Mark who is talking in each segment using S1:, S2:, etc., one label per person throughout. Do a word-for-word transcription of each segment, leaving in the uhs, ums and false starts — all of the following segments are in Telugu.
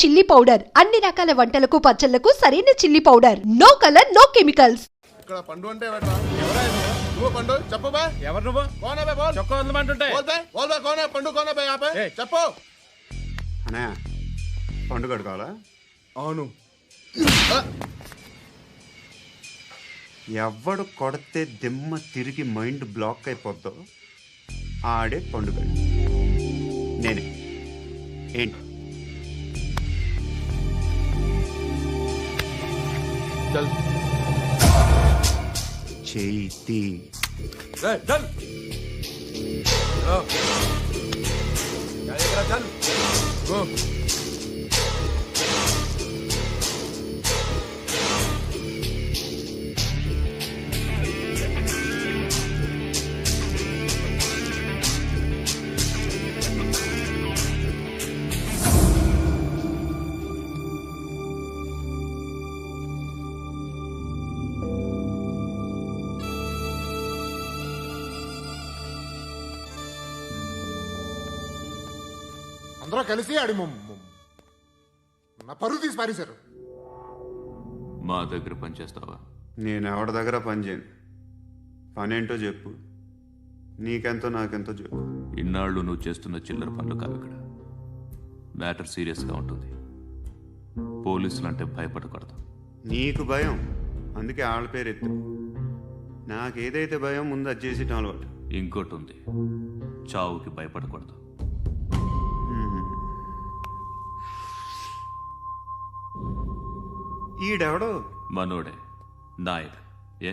S1: చిల్లీ పౌడర్ అన్ని రకాల వంటలకు పచ్చళ్లకు సరైన chilli powder. No colour no chemicals.
S2: ఇక్కడ పండు అంటే నువ్వు పండు చెప్పు బా.
S3: ఎవరు నువ్వు?
S2: కోనే బే బోల్.
S3: చొక్కా వదలమంటుంటే
S2: బోల్ బే బోల్ బే కోనే పండు కోనే బే ఆపే చెప్పు.
S4: అనే పండు కడుకోవాలా?
S2: అవును.
S4: ఎవడు కొడితే దిమ్మ తిరిగి మైండ్ బ్లాక్ అయిపోద్దో ఆడే పండుగ. నేనే. ఏంటి చేతి
S2: అందరూ కలిసి ఆడి నా పరువు తీసి పారేశారు.
S5: మా దగ్గర పని చేస్తావా?
S4: నేను ఎవరి దగ్గర పని చేయను. పనేంటో చెప్పు. నీకెంతో నాకెంతో చెప్పు.
S5: ఇన్నాళ్ళు నువ్వు చేస్తున్న చిల్లర పనులు కావు. ఇక్కడ మ్యాటర్ సీరియస్గా ఉంటుంది. పోలీసులు అంటే భయపడకూడదు.
S4: నీకు భయం, అందుకే ఆళ్ళ పేరు ఎత్తు. నాకేదైతే భయం ముందు అది చేసేటం అలవాటు.
S5: ఇంకోటి ఉంది, చావుకి భయపడకూడదు.
S4: ఈడెవడో
S5: మనోడే నాయక్. ఏ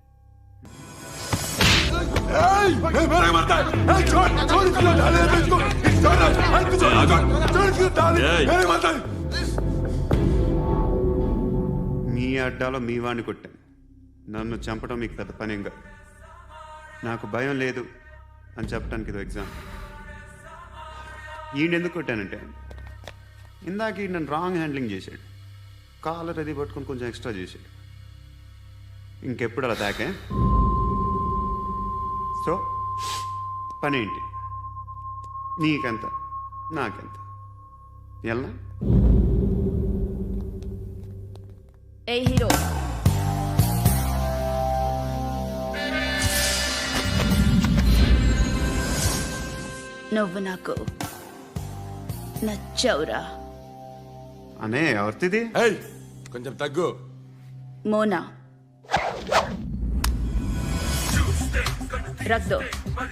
S4: మీ అడ్డాలో మీ వాణ్ణి కొట్టాను. నన్ను చంపడం మీకు పెద్ద పనేం కాదు. నాకు భయం లేదు అని చెప్పడానికి ఇది ఎగ్జామ్. ఈయనెందుకు కొట్టానంటే ఇందాక ఈ నన్ను రాంగ్ హ్యాండ్లింగ్ చేశాడు. కాలర్ అది పట్టుకొని కొంచెం ఎక్స్ట్రా చేశాడు. ఇంకెప్పుడు అలా తాకే. సో పనేంటి? నీకెంత నాకెంత ఎలా?
S6: ఏ హీరో, నువ్వు నాకు నచ్చవురా.
S4: అనే ఎవరిది?
S2: కొంచెం తగ్గు.
S6: మోనా రక్ దో.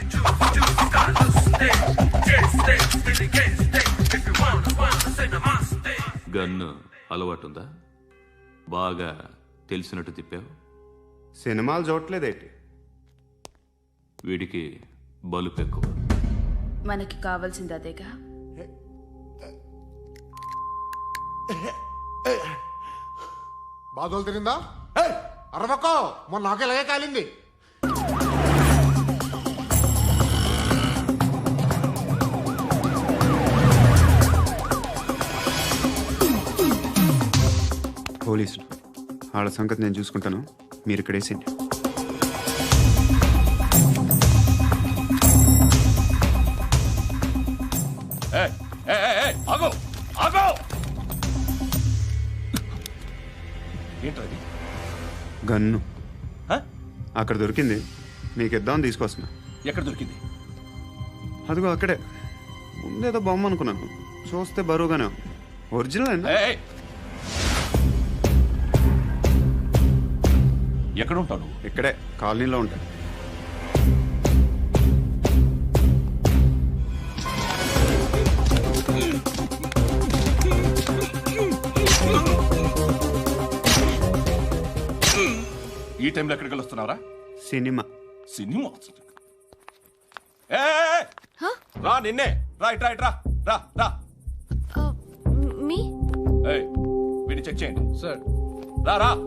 S5: గన్ను అలవాటుందా? బాగా తెలిసినట్టు తిప్పావు.
S4: సినిమాలు చూడట్లేదేంటి?
S5: వీడికి బలుపు ఎక్కువ.
S6: మనకి కావాల్సింది అదేగా.
S2: బాధలు తిరిందా? అరవకో, మొన్న నాకు ఇలాగే కాలింది.
S4: పోలీసులు వాళ్ళ సంగతి నేను చూసుకుంటాను. మీరు ఇక్కడ వేసేయండి. గన్ను అక్కడ దొరికింది, మీకు ఇద్దామని తీసుకొస్తున్నా.
S3: ఎక్కడ దొరికింది?
S4: అదిగో అక్కడే. ముందేదో బొమ్మ అనుకున్నాను, చూస్తే బరువుగానే ఒరిజినల్ అండి.
S3: ఎక్కడ ఉంటావు?
S4: ఇక్కడే కాలనీలో ఉంటాను.
S3: ఈ టైంలో ఎక్కడికి వస్తున్నారా?
S4: సినిమా.
S3: సినిమా రా, నిన్నే రా, ఇట్రా ఇట్రా రా రా.
S6: మీ
S3: వీడిని చెక్ చేయండి సార్. రా రా.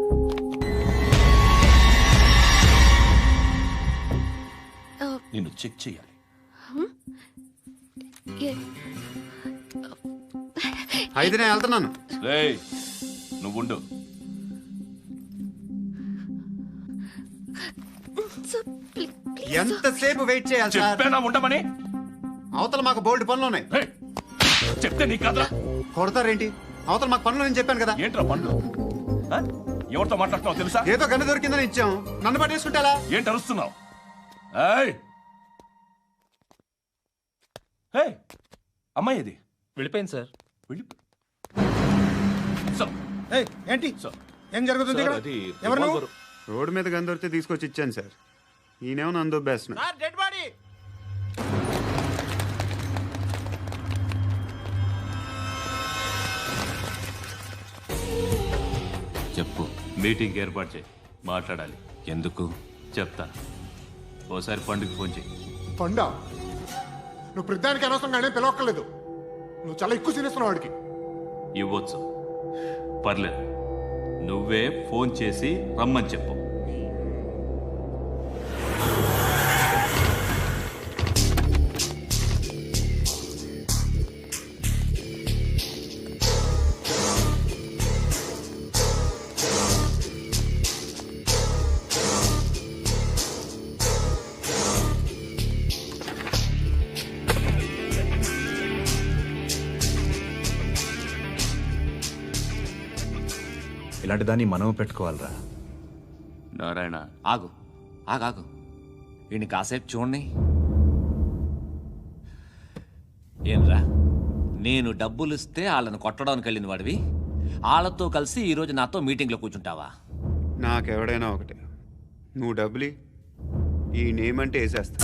S3: నిన్ను చెక్ చేయాలి.
S4: అయితే నేను వెళ్తున్నాను.
S3: నువ్వుండు.
S4: ఎంతసేపు వెయిట్ చేయాలి సార్?
S3: చెప్పేనా ఉండమని?
S4: అవతల మాకు బోల్డ్ పనులు ఉన్నాయి.
S3: చెప్తే నీకు కదా.
S4: కొడతారేంటి? అవతల మాకు పనులు నేను చెప్పాను కదా.
S3: ఏంట్రా పండ్లు ఆ? ఎవరితో మాట్లాడుతున్నావు తెలుసా?
S4: ఏదో గన్ను దొరికిందని ఇచ్చాం, నన్ను పట్టేసుకుంటా.
S3: ఏంటి అరుస్తున్నావు? ఏయ్! ఏయ్! అమ్మాయి ఇది
S7: వెళ్ళిపోయింది సార్.
S3: వెళ్ళి సార్,
S8: ఏయ్, ఏంటి
S3: సార్,
S8: ఏం జరుగుతుంది ఇక్కడ?
S3: అది
S8: ఎవరు నువ్వు?
S3: రివాల్వర్.
S4: రోడ్డు మీద గన్ను దొరికితే తీసుకొచ్చి ఇచ్చాను సార్. ఈయనేమో నన్ను దొబ్బేస్తున్నా.
S8: Dead body.
S5: చెప్పు. మీటింగ్ ఏర్పాటు చేయి, మాట్లాడాలి. ఎందుకు చెప్తా. ఓసారి పండుగ ఫోన్ చేయి.
S2: పండా నువ్వు ప్రతిదానికి అనవసరంగానే పిలవక్కర్లేదు. నువ్వు చాలా ఎక్కువ సీనిస్తున్నావు వాడికి.
S5: ఇవ్వచ్చు, పర్లేదు. నువ్వే ఫోన్ చేసి రమ్మని చెప్పు.
S7: ఇలాంటి దాన్ని మనం పెట్టుకోవాలరా.
S5: నారాయణ,
S9: ఆగు ఆగాగు వీడిని కాసేపు చూడండి. ఏంరా, నేను డబ్బులు ఇస్తే వాళ్ళని కొట్టడానికి వెళ్ళిన వాడివి, వాళ్ళతో కలిసి ఈరోజు నాతో మీటింగ్లో కూర్చుంటావా?
S4: నాకెవడైనా ఒకటే. నువ్వు డబ్బులి, ఈ నేమ్ అంటే వేసేస్తా.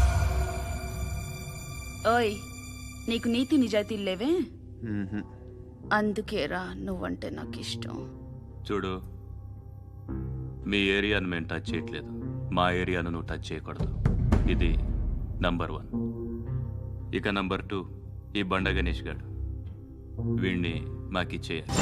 S6: ఓయ్, నీకు నీతి నిజాయితీలు లేవే,
S4: మ్మ్హ్మ్.
S6: అందుకేరా నువ్వంటే నాకు ఇష్టం.
S5: చూడు, మీ ఏరియాను మేము టచ్ చేయట్లేదు, మా ఏరియాను నువ్వు టచ్ చేయకూడదు. ఇది నంబర్ వన్. ఇక నంబర్ టూ, ఈ బండ గణేష్ గారు, వీణ్ణి మాకిచ్చేయాలి.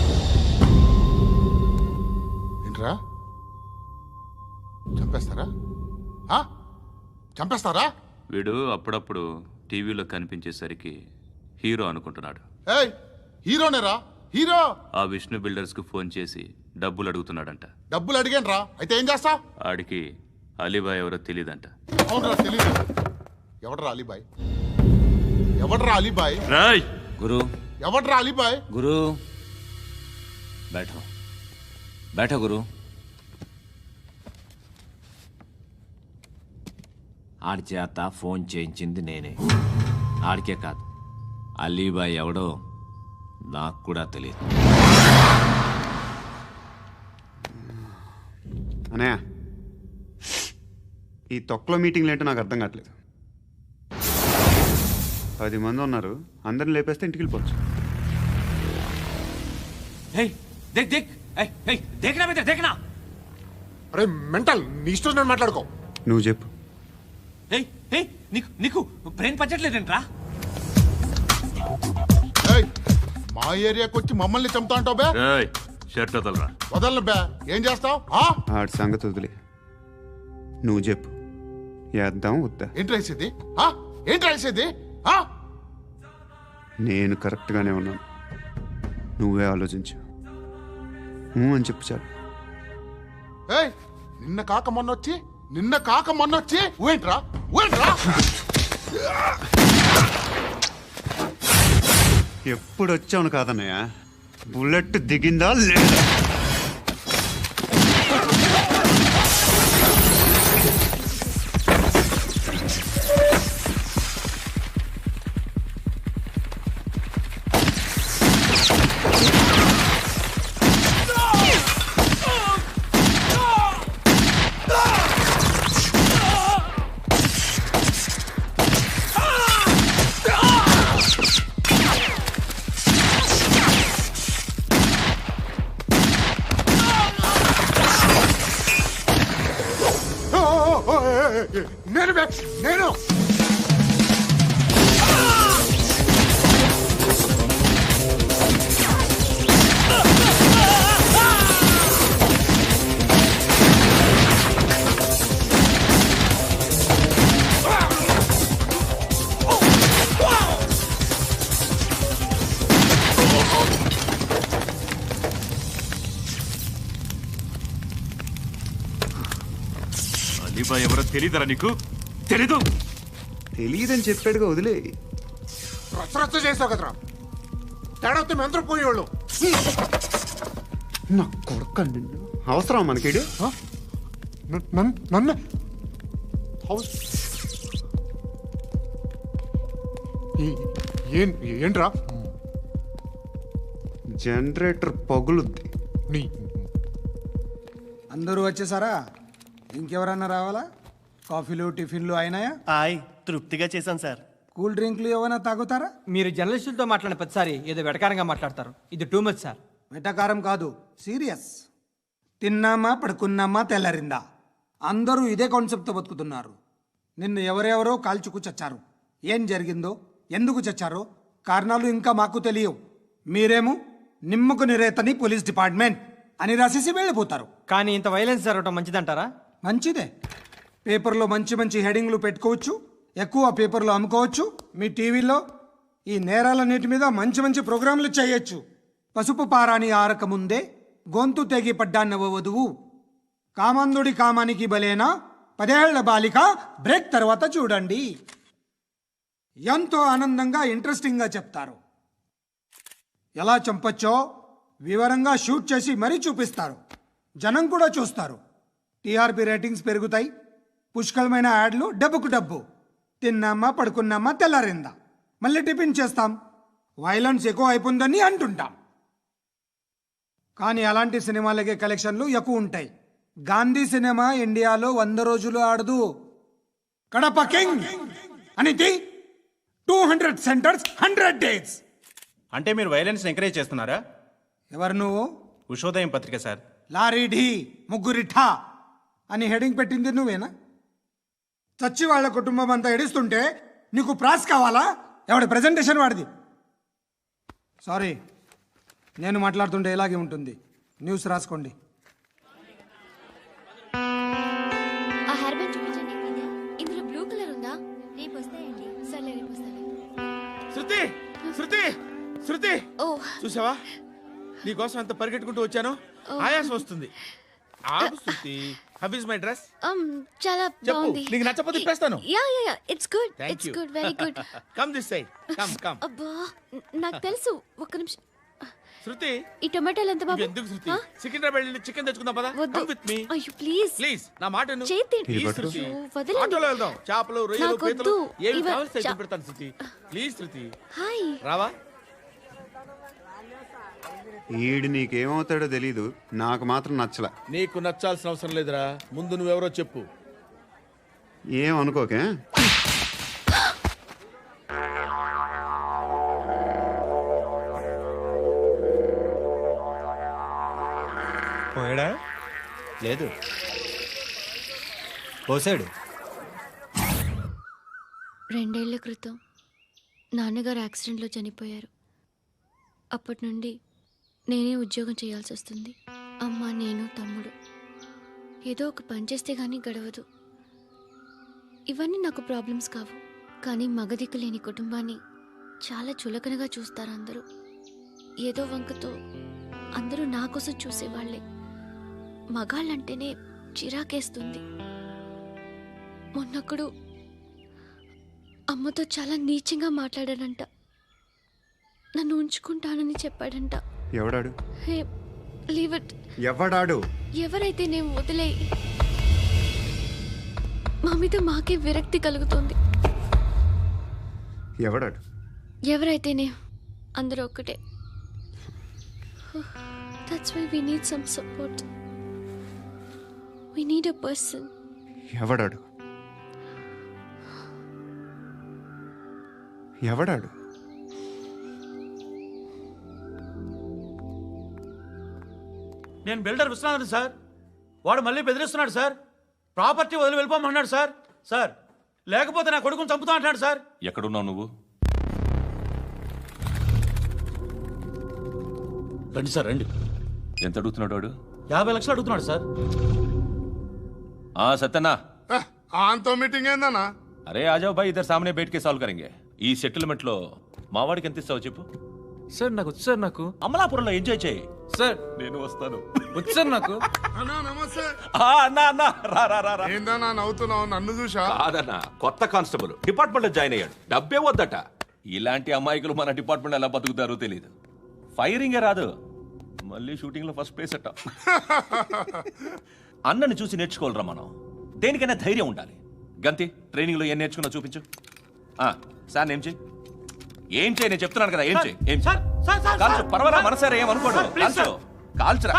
S2: ఏంట్రా చంపేస్తారా? ఆ? చంపేస్తారా?
S5: వీడు అప్పుడప్పుడు టీవీలో కనిపించేసరికి హీరో అనుకుంటున్నాడు.
S2: ఏయ్, హీరోనేరా హీరో.
S5: ఆ విష్ణు బిల్డర్స్కు ఫోన్ చేసి డబ్బులు అడుగుతున్నాడంట.
S2: డబ్బులు అడిగాను రా, అయితే ఏం చేస్తా?
S5: ఆడికి అలీబాయ్ ఎవరో తెలియదంట.
S2: అవునరా, తెలీదు. ఎవడరా అలీబాయ్? ఎవడరా అలీబాయ్?
S5: రాయ్
S9: గురు
S2: ఎవడరా అలీబాయ్?
S9: గురు బైఠో బైఠో గురు. ఆడి చేత ఫోన్ చేయించింది నేనే. ఆడికే కాదు, అలీబాయ్ ఎవడో నాకు కూడా తెలియదు.
S4: అనయ్య, ఈ తొక్కలో మీటింగ్లు ఏంటో నాకు అర్థం కావట్లేదు. పది మంది ఉన్నారు, అందరిని లేపేస్తే ఇంటికి వెళ్ళిపోవచ్చు.
S9: హేయ్, దేక్ దేక్ ఏయ్, ఏయ్, దేకనా బిడ్డ, దేకనా.
S2: అరే మెంటల్, నీ ఇష్టం నేను మాట్లాడుకో.
S4: నువ్వు చెప్పు.
S9: ఏయ్, ఏయ్, నీకు నీకు బ్రెయిన్ పచ్చట్లేదంట్రా.
S2: ఏయ్, మా ఏరియాకి వచ్చి మమ్మల్ని చంపుతా అంటావు బే?
S5: రాయ్ షర్ట్ వదలరా.
S2: వదలను బే. ఏం చేస్తావు?
S4: ఆడి సంగతి వదిలే, నువ్వు చెప్పు. వేద్దాం వద్దా?
S2: ఏంటి రాసేది? ఆ? ఏంటి రాసేది? ఆ?
S4: నేను కరెక్ట్గానే ఉన్నాను, నువ్వే ఆలోచించు. ఊ అని చెప్పు చాలు.
S2: ఏయ్, నిన్న కాక మొన్న వచ్చి నిన్న కాక మొన్న వచ్చి ఊయంట్రా ఊయంట్రా.
S4: ఎప్పుడు వచ్చావును కాదన్నయ్య, బుల్లెట్ దిగిందా లేదా?
S2: ఓ, ఓ, ఓ, ఏ, ఏ, ఏ, నేను బే, నేను.
S5: అలీబాయ్ ఎవరో తెలీదరా నీకు? తెలీదు.
S4: తెలియదని చెప్పాడుగా, వదిలే.
S2: రచ్చ రచ్చ చేసావు కదరా. తేడా వస్తే మెంతరం పోయేవాళ్ళు.
S4: నా కొడుకు నిన్ను అవసరం మనకిడు.
S2: నన్ను హౌస్ ఏంట్రా?
S4: జనరేటర్ పగులుద్ది.
S2: నీ
S8: అందరూ వచ్చేసారా? ఇంకెవరన్నా రావాలా? కాఫీలు టిఫిన్లు అయినాయా?
S10: ఆయ్ తృప్తిగా చేశాను సార్.
S8: కూల్ డ్రింక్లు ఏమైనా తాగుతారా?
S11: మీరు జర్నలిస్టులతో మాట్లాడిన ప్రతిసారి ఏదో వెటకారంగా మాట్లాడతారు. ఇది టూ మచ్ సార్.
S8: వెటకారం కాదు, సీరియస్. తిన్నామా పడుకున్నామా తెల్లరిందా, అందరూ ఇదే కాన్సెప్ట్తో బతుకుతున్నారు. నిన్ను ఎవరెవరో కాల్చుకు చచ్చారు. ఏం జరిగిందో, ఎందుకు చచ్చారో కారణాలు ఇంకా మాకు తెలియవు. మీరేమో నిమ్మకు నిరేతని పోలీస్ డిపార్ట్మెంట్ అని రాసేసి వెళ్ళిపోతారు.
S11: కానీ ఇంత వైలెన్స్ జరగటం మంచిదంటారా?
S8: మంచిదే. పేపర్లో మంచి మంచి హెడింగ్లు పెట్టుకోవచ్చు, ఎక్కువ పేపర్లు అమ్ముకోవచ్చు. మీ టీవీలో ఈ నేరాలన్నిటి మీద మంచి మంచి ప్రోగ్రాంలు చేయొచ్చు. పసుపు పారాని ఆరక ముందే గొంతు తెగి పడ్డాన్నవ వధువు, కామందుడి కామానికి బలేనా పదేళ్ల బాలిక బ్రేక్ తర్వాత చూడండి. ఎంతో ఆనందంగా ఇంట్రెస్టింగ్గా చెప్తారు. ఎలా చంపచ్చో వివరంగా షూట్ చేసి మరీ చూపిస్తారు. జనం కూడా చూస్తారు. టీఆర్పీ రేటింగ్స్ పెరుగుతాయి. పుష్కలమైన యాడ్లు, డబ్బుకు డబ్బు. తిన్నామా పడుకున్నామా తెల్లారిందా, మళ్ళీ టిఫిన్ చేస్తాం. వైలెన్స్ ఎక్కువ అయిపోయిందని అంటుంటాం. కానీ అలాంటి సినిమాలకే కలెక్షన్లు ఎక్కువ ఉంటాయి. గాంధీ సినిమా ఇండియాలో వంద రోజులు ఆడదు. కడప కింగ్ అనితి two hundred centres hundred days.
S10: అంటే మీరు వైలెన్స్ ఎంకరేజ్ చేస్తున్నారా?
S8: ఎవరు నువ్వు?
S10: ఉషోదయం పత్రిక సార్.
S8: లారీ ఢీ ముగ్గురిఠా అని హెడింగ్ పెట్టింది నువ్వేనా? చచ్చి వాళ్ళ కుటుంబం అంతా ఎడుస్తుంటే నీకు ప్రాస్ కావాలా? ఎవడి ప్రజెంటేషన్ వాడిది. సారీ, నేను మాట్లాడుతుంటే ఇలాగే ఉంటుంది. న్యూస్ రాసుకోండి.
S12: ఆ హెయిర్ బ్యాండ్ చూపించండి. ఇందులో బ్లూ కలర్ ఉందా? రేపు వస్తాయండి. సర్లే రేపు వస్తాను.
S3: శృతి శృతి శృతి
S12: ఓ
S3: చూసావా, నీకోసం ఎంత పరిగెట్టుకుంటూ వచ్చాను. ఆయాసం వస్తుంది. ఆగు Shruti. How is my dress?
S12: um చాలా
S3: చెప్పు.
S12: బాగుంది.
S3: నీకు నచ్చకపోతే తిప్పేస్తాను.
S12: Ya ya ya it's good.
S3: Thank
S12: it's
S3: you.
S12: Good, very good.
S3: Come this side. Come come.
S12: అబ్బా న- నాకు తెలుసు. ఒక్క నిమిషం.
S3: శృతి
S12: ఈ టొమాటోలు ఎంత బాబు?
S3: ఎందుకు శృతి?
S12: ఆ?
S3: సికింద్రాబాద్ వెళ్ళి చికెన్ తెచ్చుకుందాం పదా.
S12: వద్దు.
S3: కమ్ విత్ మీ
S12: అయ్యో ప్లీజ్
S3: ప్లీజ్. నా మాట విను.
S12: చేతి
S3: Please,
S4: పట్టు.
S3: శృతి.
S12: అయ్యో, వదలండి.
S3: ఆటోలో వెళ్దాం. చేపలు, రొయ్యలు,
S12: నాకు
S3: పీతలు
S12: వద్దు.
S3: ఏమి
S12: ఇవ-
S3: కావాలి
S12: చా-
S3: పెడతాను శృతి. Please Shruti.
S12: హాయ్.
S3: రావా?
S4: ఈడు నీకేమవుతాడో తెలీదు, నాకు మాత్రం నచ్చలా.
S3: నీకు నచ్చాల్సిన అవసరం లేదురా. ముందు నువ్వెవరో చెప్పు.
S4: ఏం అనుకోకే.
S7: పోయాడా? లేదు, పోసాడు.
S12: రెండేళ్ల క్రితం నాన్నగారు యాక్సిడెంట్లో చనిపోయారు. అప్పటి నుండి నేనే ఉద్యోగం చేయాల్సి వస్తుంది. అమ్మ, నేను, తమ్ముడు ఏదో ఒక పని చేస్తే కానీ గడవదు. ఇవన్నీ నాకు ప్రాబ్లమ్స్ కావు. కానీ మగదిక్కు లేని కుటుంబాన్ని చాలా చులకనగా చూస్తారు అందరూ. ఏదో వంకతో అందరూ నా కోసం చూసేవాళ్లే. మగాళ్ళంటేనే చిరాకేస్తుంది. మొన్నప్పుడు అమ్మతో చాలా నీచంగా మాట్లాడాడంట. నన్ను ఉంచుకుంటానని చెప్పాడంట.
S4: ఎవడాడు?
S12: Hey leave it.
S4: ఎవడాడు?
S12: ఎవరైతే నేను వదిలే. మా మీద మాకే విరక్తి కలుగుతుంది.
S4: ఎవడాడు?
S12: ఎవరైతేనే అందరూ ఒక్కటే. That's why we need some support. We need a person.
S4: ఎవడాడు? ఎవడాడు?
S11: నేను బిల్డర్ విశ్వనాథన్ సార్. వాడు మళ్ళీ బెదిరిస్తున్నాడు సార్. ప్రాపర్టీ వదిలి వెళ్ళిపోమన్నాడు సార్. సార్ లేకపోతే నా కొడుకుని చంపుతా అంటున్నాడు సార్.
S5: ఎక్కడున్నావు నువ్వు?
S11: రండి సార్ రండి.
S5: ఎంత అడుగుతున్నాడు వాడు?
S11: యాభై లక్షలు అడుగుతున్నాడు సార్.
S5: ఆ సత్యనా,
S2: ఆంతో మీటింగ్ ఏందన్నా?
S5: అరే ఆజావ్ భాయ్, ఇద్దరు సామనే బయటకే సాల్వ్ కరెంగే. ఈ సెటిల్మెంట్ లో మా వాడికి ఎంత ఇస్తావు చెప్పు.
S11: సార్ నాకు వచ్చు సార్. నాకు
S5: అమలాపురంలో ఎంజాయ్ చేయి
S11: సార్.
S5: నేను వస్తాను.
S11: వచ్చు సార్ నాకు.
S2: అన్నా నమస్తే.
S5: ఆ, అన్నా అన్నా రా రా రా రా.
S2: ఏందన్నా నవ్వుతున్నావు? నన్ను చూసా?
S5: కాదన్నా, కొత్త కానిస్టేబుల్ డిపార్ట్మెంట్ లో జాయిన్ అయ్యాడు. డబ్బే వద్దట. ఇలాంటి అమాయకులు మన డిపార్ట్మెంట్ ఎలా బతుకుతారో తెలియదు.
S13: ఫైరింగే రాదు మళ్ళీ షూటింగ్లో ఫస్ట్ ప్లేస్ అట్ట. అన్నని చూసి నేర్చుకోవాలరా మనం. దేనికైనా ధైర్యం ఉండాలి. గంతి ట్రైనింగ్లో ఏం నేర్చుకున్నా చూపించు. ఆ, సార్ ఏం చేయి ఏం చేయి నేను చెప్తున్నాను కదా. ఏం చేయి ఏం చేయి కాల్చు. పర్వాలా మనసారా ఏం అనుకోడు. కాల్చు కాల్చురా.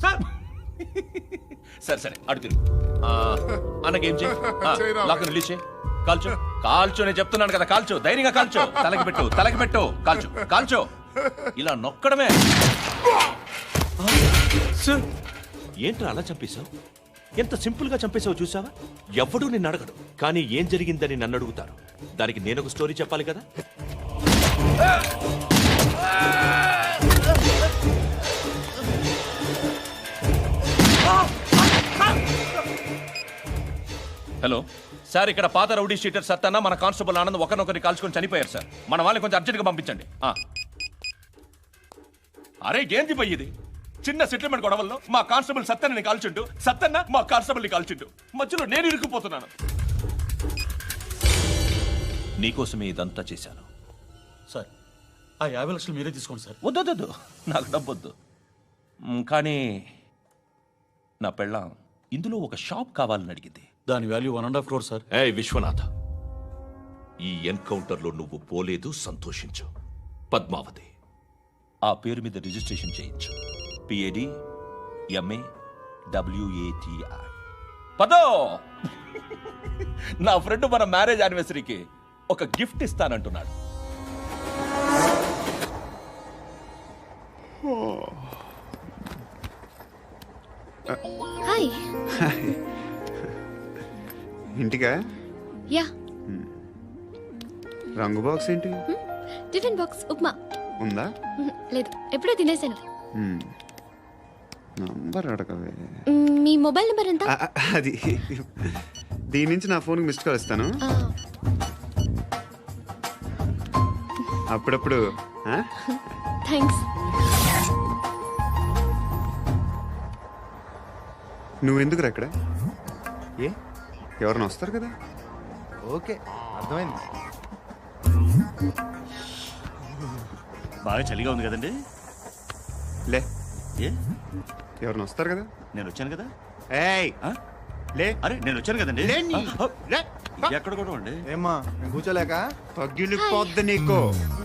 S13: సరే సరే అడు తిరుగు. అన్నకేం చేయి లాక్ రిలీజ్ చేయి. కాల్చు కాల్చు నేను చెప్తున్నాను కదా. కాల్చు ధైర్యంగా కాల్చు. తలకి పెట్టు తలకి పెట్టు. కాల్చు కాల్చు. ఇలా నొక్కడమే. ఏంట్రా అలా చంపేశావు? ఎంత సింపుల్ గా చంపేశావు చూసావా? ఎవడూ నిన్ను అడగడు, కానీ ఏం జరిగిందని నన్ను అడుగుతారు. దానికి నేను ఒక స్టోరీ చెప్పాలి కదా. హలో సార్, ఇక్కడ పాత రౌడీ షీటర్ సత్తన్న మన కానిస్టేబుల్ ఆనంద్ ఒకరినొకరిని కాల్చుకొని చనిపోయారు సార్. మన వాళ్ళని కొంచెం అర్జెంట్గా పంపించండి. అరే ఏంది పోయేది? చిన్న సెటిల్మెంట్ గొడవల్లో మా కానిస్టేబుల్ సత్తన్నని కాల్చుంటూ సత్తన్న మా కానిస్టేబుల్ని కాల్చుంటూ మధ్యలో నేను ఇరుక్కుపోతున్నాను. నీకోసమే ఇదంతా చేశాను
S11: సార్. ఆ యాభై లక్షలు మీరే తీసుకోండి సార్.
S13: వద్దొద్దు, నాకు డబ్బొద్దు. మ్, కానీ నా పెళ్ళాం ఇందులో ఒక షాప్ కావాలని అడిగింది.
S11: దాని value one and half crore sir.
S13: ఏ విశ్వనాథ్, ఈ ఎన్కౌంటర్లో నువ్వు పోలేదు, సంతోషించు. పద్మావతి ఆ పేరు మీద రిజిస్ట్రేషన్ చేయించు. P A D M A W A T I. పదో, నా ఫ్రెండ్ మన మ్యారేజ్ యానివర్సరీకి ఒక గిఫ్ట్ ఇస్తానంటున్నాడు.
S12: హాయ్.
S4: ఇంటికా?
S12: యా.
S4: రంగు బాక్స్ ఏంటి?
S12: టిఫిన్ బాక్స్ ఉప్మా
S4: ఉందా?
S12: లేదు, ఎప్పుడో తినేసాను.
S4: నంబర్ అడగవే.
S12: మీ మొబైల్ నెంబర్ ఎంత?
S4: ఆ, అది దీని నుంచి నా ఫోన్కి మిస్డ్ కాల్ ఇస్తాను. అప్పుడప్పుడు.
S12: థ్యాంక్స్.
S4: నువ్వెందుకు అక్కడ? ఏ ఎవరైనా వస్తారు కదా.
S7: ఓకే అర్థమైంది.
S10: బాగా చలిగా ఉంది కదండి.
S4: లే,
S10: ఏ
S4: ఎవరైనా వస్తారు కదా.
S10: నేను వచ్చాను కదా.
S4: ఏయ్ లే.
S10: అరే నేను వచ్చాను కదండి.
S4: లే నీ. లే.
S10: ఎక్కడ కూడా అండి.
S7: ఏమ్మా కూర్చోలేక
S4: తగ్గిలిపోద్ది నీకు.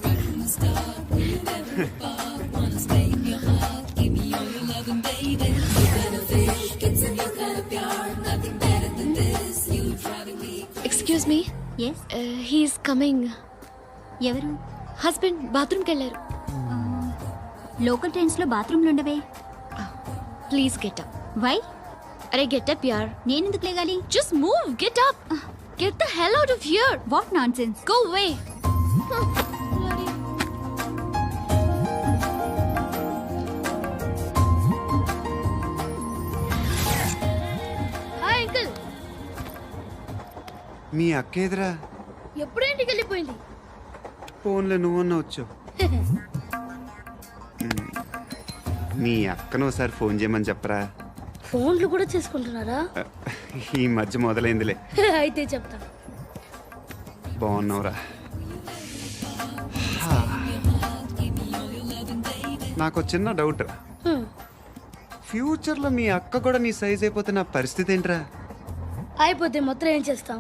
S12: Excuse me.
S14: Yes.
S12: He's coming.
S14: ఎవరు?
S12: హస్బెండ్ బాత్రూమ్కి వెళ్ళారు.
S14: లోకల్ ట్రైన్స్ లో బాత్రూమ్లు ఉండవే.
S12: Please get up.
S14: వై?
S12: అరే గెట్ అప్ యార్.
S14: నేను ఎందుకు లేగాలి?
S12: Just move, get up. Get the hell out of here.
S14: What nonsense.
S12: Go away. Hi uncle.
S4: మీ అక్క ఎదురా?
S12: ఎప్పుడు ఇంటికి వెళ్ళిపోయింది?
S4: ఫోన్లో నువ్వన్నా వచ్చావు. మీ అక్కను ఒకసారి ఫోన్ చేయమని చెప్పరా.
S12: ఫోన్లు కూడా చేసుకుంటున్నారా?
S4: ఈ మధ్య మొదలైందిలే.
S12: అయితే చెప్తా.
S4: బాగున్నావురా. నాకు చిన్న డౌట్ రా. ఫ్యూచర్లో మీ అక్క కూడా నీ సైజ్ అయిపోతే నా పరిస్థితి ఏంట్రా?
S12: అయిపోతే మొత్తం ఏం చేస్తాం?